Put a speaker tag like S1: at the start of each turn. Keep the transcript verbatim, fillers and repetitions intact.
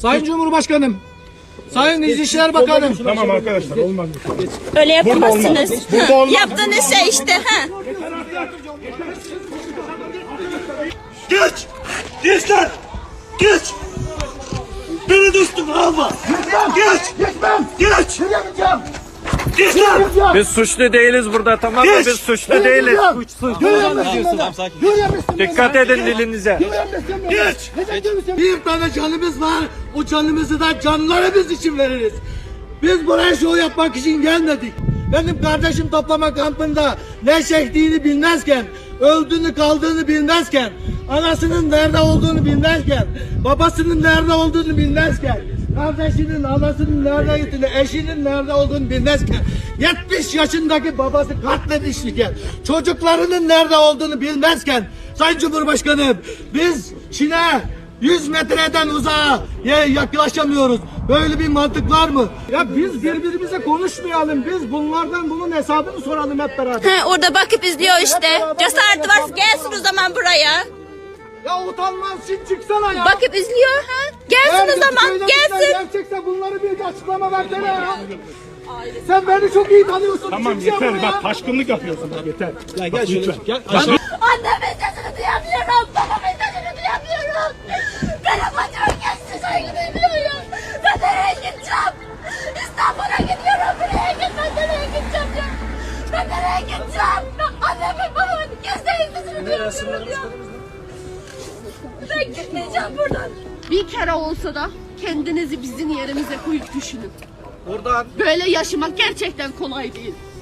S1: Sayın Cumhurbaşkanım, Sayın İçişleri Bakanım.
S2: Tamam arkadaşlar, olmaz.
S3: Öyle yapamazsınız.
S2: Burada olmaz.
S3: Yaptığınız şey işte. Ha.
S4: Geç! Gençler! Geç! Beni de üstüme alma! Geç!
S1: Geçmem.
S4: Geç!
S1: Yürüyemeyeceğim.
S4: Gençler!
S5: Biz suçlu değiliz burada, tamam mı?
S4: Geç!
S5: Biz suçlu değiliz.
S1: Yürüyemezsin.
S5: Dikkat edin dilinize.
S4: Geç!
S1: Geç.
S4: Bir tane canımız var. O canımızı da canlarımız için veririz. Biz buraya şov yapmak için gelmedik. Benim kardeşim toplama kampında ne çektiğini bilmezken, öldüğünü kaldığını bilmezken, anasının nerede olduğunu bilmezken, babasının nerede olduğunu bilmezken, kardeşinin, anasının nerede gittiğini, eşinin nerede olduğunu bilmezken, yetmiş yaşındaki babası katledilmişken, çocuklarının nerede olduğunu bilmezken, Sayın Cumhurbaşkanım, biz Çin'e yüz metreden uzağa yaklaşamıyoruz. Böyle bir mantık var mı?
S1: Ya biz birbirimize konuşmayalım. Biz bunlardan bunun hesabını soralım hep beraber.
S3: Ha, orada bakıp izliyor işte. Cesareti varsa gelsin o zaman buraya.
S1: Ya utanmaz için çıksana ya.
S3: Bakıp izliyor. Ha. Gelsin
S1: Eğer
S3: o zaman.
S1: söyledikler
S3: Gelsin.
S1: gerçekse bunları bir açıklama versene ya. Sen beni çok iyi tanıyorsun.
S2: Tamam
S1: Çıkacağım
S2: yeter,
S1: buraya.
S2: bak taşkınlık yapıyorsun, bak yeter.
S1: Ya gel şöyle. Gel.
S3: Annemin sesini duyamıyorum. Babamın sesini duyamıyorum. Benim bacım geçti söylemiyorum. Ben nereye gideceğim? İstanbul'a gidiyorum. Buraya gitmem. Nereye gideceğim ya? Ben nereye gideceğim? Annemin babamın gözlerinin sesini duyamıyorum ya. Ben gitmeyeceğim buradan.
S6: Bir kere olsa da kendinizi bizim yerimize koyup düşünün.
S1: Buradan
S6: Böyle yaşamak gerçekten kolay değil.